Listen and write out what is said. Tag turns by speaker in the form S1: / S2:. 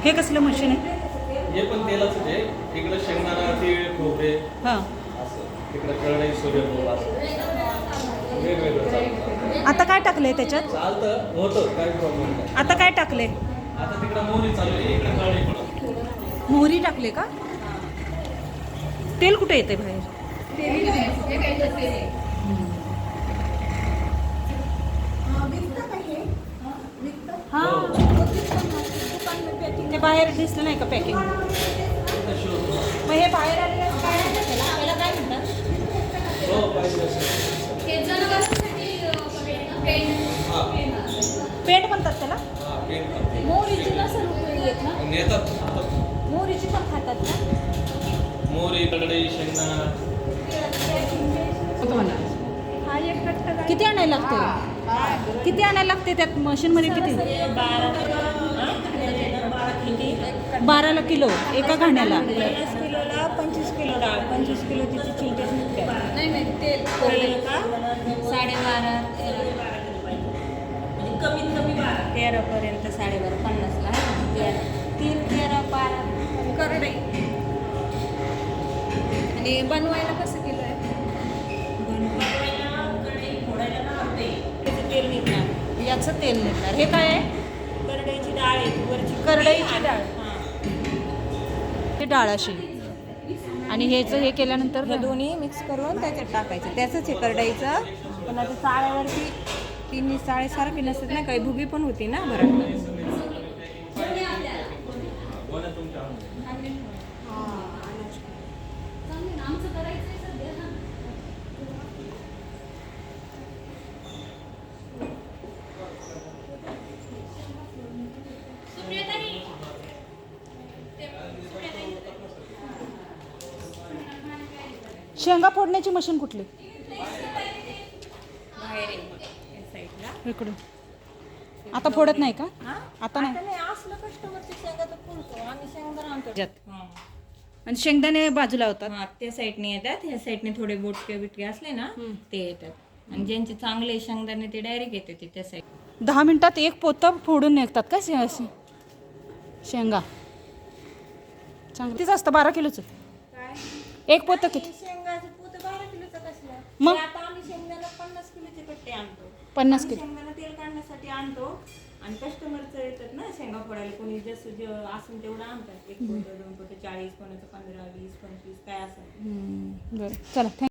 S1: हे कसलं मशीन आहे?
S2: हे पण तेलाच आहे. इकडे शेंगदाणा, तीळ, खोबरे
S1: हां.
S2: असं. इकडे कढई, सूर्यफूल असं वेगवेगळं चालतं.
S1: आता काय टाकलंय त्याच्यात?
S2: चालतं, होतं, काही प्रॉब्लेम नाही.
S1: आता काय टाकले?
S2: आता तिकडे मोहरी चालू आहे, इकडे कढई पण.
S1: मोहरी टाकले का? तेल कुठे येते बाहेर? हां, ते बाहेर दिसलं नाही का पॅकिंग? मग हे बाहेर आलेलं काय म्हणतात त्याला? त्याला काय म्हणतात?
S2: हो, पाहिजे असेल.
S1: पेंट म्हणतात त्याला?
S2: हां, पेन करते.
S1: मोहरीची नसेल उपयोगी येत ना?
S2: नेतात.
S1: मोहरीची पण खातात ना?
S2: मोहरी, कढई, शेंगदाणा.
S1: किती आणायला लागते? किती आणायला लागते त्यात मशीनमध्ये? किती? 12 किलो एका घाण्याला.
S3: 50 किलोला 25 किलो डाळ, 25 किलो तिची चिलटेच निघते. नाही तेल का 12.5 कमीत कमी 13 पर्यंत 12.5 50ला 13 12 करडई. आणि बनवायला कसं किलो आहे? बनवायला कढई फोडायला ना अर्धे त्याचं तेल निघणार.
S1: याचं तेल निघणार. हे काय आहे?
S3: करडईची डाळ आहे वरची.
S1: करडईची डाळ.
S3: हां.
S1: हे डाळ अशी. आणि हेचं हे केल्यानंतर
S3: हे दोन्ही मिक्स करून त्याच्यात टाकायचं. त्याचंच हे करडईचं. पण आता चाळ्यावरती तिन्ही चाळीसारखी नसतात ना, काही भुगी पण होती ना बरं.
S1: शेंगा फोडण्याची मशीन कुठली?
S3: बाहेर आहे या साईडला.
S1: इकडून. आता फोडत नाही का?
S3: हां?
S1: आता नाही.
S3: आता नाही असलं कस्टमरचे शेंगा तर फुलतो आम्ही शेंगदाणा आणतो.
S1: त्याच्यात.
S3: हां.
S1: आणि शेंगदाणे बाजूला होतात.
S3: हां, त्या साईडने येतात. ह्या साईडने थोडे बोटके बिटके असले ना ते येतात. आणि ज्यांचे चांगले शेंगदाणे ते डायरेक्ट येते ते त्या साईड.
S1: 10 मिनिटात एक पोतं फोडून निघतात का शेंगा? चांगलं तीच असतं. 12 किलोचं
S3: काय
S1: एक पोतं किती?
S3: शेंगाचं पोतं 12 किलोचं कसलं?
S1: मग?
S3: ते आता आम्ही शेंगदाणा 50 किलोचे कट्टे आणतो.
S1: 50
S3: आम्ही
S1: किलो.
S3: शेंगदाणा तेल काढण्यासाठी आणतो. आणि कस्टमरचं येतात ना शेंगा फोडायला, कोणी जसं जे असेल तेवढं आणतात. 1 पोतं 2 पोतं 40 कोणाचं 15 20 25 काय असेल.
S1: बरं चला थँक्यू.